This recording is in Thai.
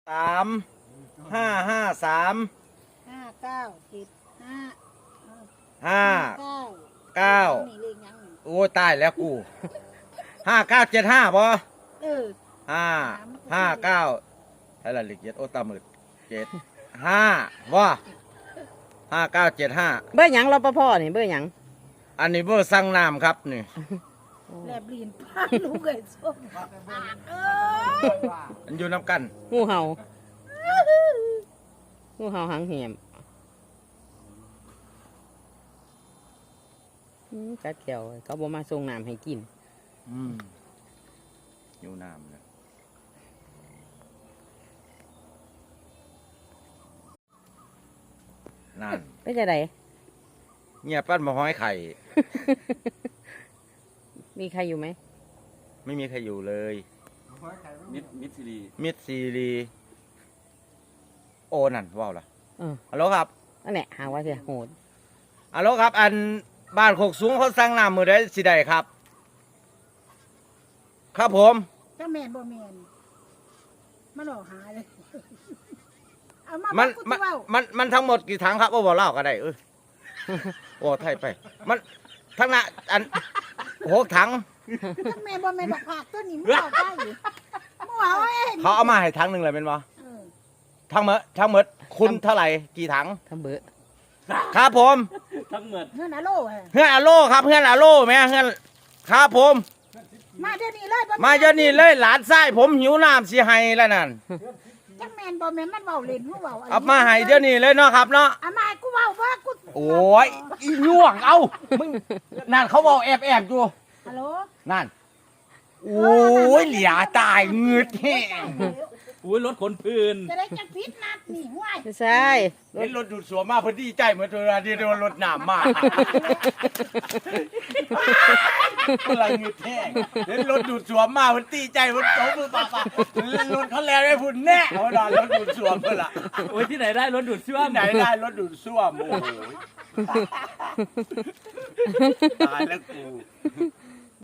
3 5 5 3 59 75 5 9โอ้ยตายแล้วกู5975บ่เออ 5 59ให้ละเอียดโอ้ตามืด75ว่า5975 เบอร์หยังรปภนี่เบอร์หยังอันนี้เบอร์สั่งน้ำครับนี่แลบลีนพาลูกไอ้ส้มเอ้ยมันอยู่น้ำกันงูเห่างูเห่าหางเหี่ยมกัดแก้วเขาบอกมาส่งน้ำให้กินอยู่น้ำเลยนั่นไปจะไดเงียบปั้นมาห้อยไข่มีใครอยู่ไหมไม่มีใครอยู่เลยมิดซีรีมิดซีรีโอนั่นว้าวล่ะเออฮัลโหลครับนั่นแหละหาว่าเสียโหดฮัลโหลครับ อันบ้านโคกสูงเขาสั่งน้ำมือได้สิได้ครับ ครับผมจะแมนบ่แมนมาหลอกหาเลยเอามามันกูมันจะเว้ามันทั้งหมดกี่ถังครับโอ้บอกเล่าก็ได้โอ้ไทยไป มันทั้งน่ะอัน6 ถังจะแมนบ่แมนบอกผักตัวนี้มึงเอาได้อยู่มึงเอาเองเขาเอามาให้ถังหนึ่งเลยเป็นบ่เออทั้งหมดคุณเท่าไหร่กี่ถังทำเบอร์ครับผมทั้งหมดเงินอะโลฮะเพื่อนอาโลครับเพื่อนอาโลแม่เพื่อนครับผมมาเดี๋ยวนี้เลยบ่มาเดี๋ยวนี้เลยหลานไส้ผมหิวน้ำสิให้แล้วนั่นจังแมนบ่แมนมันเว้าเล่นมึงเว้าเอามาให้เดี๋ยวนี้เลยเนาะครับเนาะเอามาให้กูเว้าว่ากูโอ้ยอีน่วงเอามึงนั่นเขาบอกแอบอยู่ฮัลโหลนั่นโอ้ยเหลียตายเงืดแห้งอุ้ยรถขนพื้นจะได้จังพิษนัดนี่ห้วยไม่ใช่เห็นรถดูดสวมมาพอดีใจเหมือนตัวที่โดนรถหนามมาอะไรเงืดแห้งเห็นรถดูดสวมมาพอดีใจมันโตมือป่ารถเขาแลไม่พุ่นแน่เขาดอนรถดูดสวมเพื่อละโอ้ยที่ไหนได้รถดูดซ่วมไหนได้รถดูดซ่วมโอ้โหตายแล้วกู